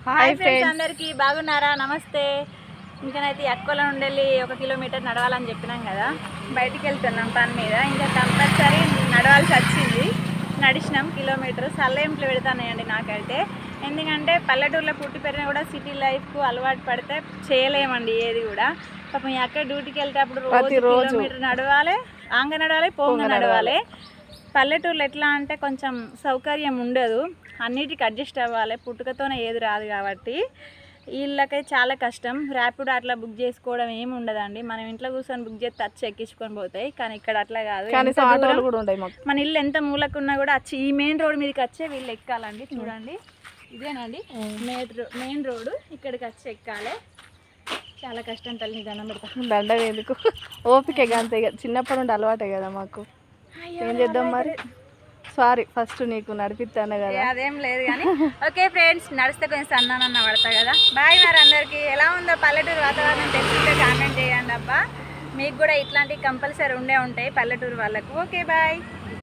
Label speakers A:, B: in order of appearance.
A: Hi friends అందరికీ బాగున్నారా? నమస్తే. ఇంకనైతే అక్కోల నుండి 1 కిలోమీటర్ నడవాలని చెప్పినాం కదా, బయటికి వెళ్తున్నాం పని మీద. ఇంకా కంపల్సరీ నడవాల్సి వచ్చింది. నడిచినాం కిలోమీటర్. సల్లయింపులు పెడతానండి నాకైతే. ఎందుకంటే పల్లెటూరులో పుట్టి పెరిగినా కూడా సిటీ లైఫ్కు అలవాటు పడితే చేయలేమండి ఏది కూడా. పాపం ఈ అక్క డ్యూటీకి వెళ్తేప్పుడు రోజు కిలోమీటర్ నడవాలి, ఆంగ నడవాలి, పోంగ నడవాలి. పల్లెటూరులో ఎట్లా అంటే కొంచెం సౌకర్యం ఉండదు, అన్నిటికి అడ్జస్ట్ అవ్వాలి. పుట్టుకతోనే ఏది రాదు కాబట్టి వీళ్ళకై చాలా కష్టం. ర్యాపిడో అట్లా బుక్ చేసుకోవడం ఏమి ఉండదండి. మనం ఇంట్లో కూర్చొని బుక్ చేస్తే వచ్చి ఎక్కించుకొని పోతాయి. కానీ ఇక్కడ అట్లా కాదు. మన ఇల్లు ఎంత మూలకున్నా కూడా వచ్చి ఈ మెయిన్ రోడ్ మీదకి వచ్చే వీళ్ళు ఎక్కాలండి. చూడండి, ఇదేనండి మెయిన్ రోడ్డు. ఇక్కడికి వచ్చి ఎక్కాలి. చాలా కష్టం. తల్లి దండం పెడతా.
B: దండ ఎందుకు, ఓపిక అంతే. చిన్నప్పటి నుండి అలవాటే కదా మాకు. ఏం చేద్దాం మరి. సారీ, ఫస్ట్ నీకు నడిపిస్తాను కదా.
A: అదేం లేదు కానీ ఓకే ఫ్రెండ్స్, నడిస్తే కొంచెం సన్నానన్న పడతా కదా. బాయ్. మరి అందరికీ ఎలా ఉందో పల్లెటూరు వాతావరణం తెలుసుకుంటే కామెంట్ చేయండి అబ్బా. మీకు కూడా ఇట్లాంటివి కంపల్సరీ ఉండే ఉంటాయి పల్లెటూరు వాళ్ళకు. Okay bye.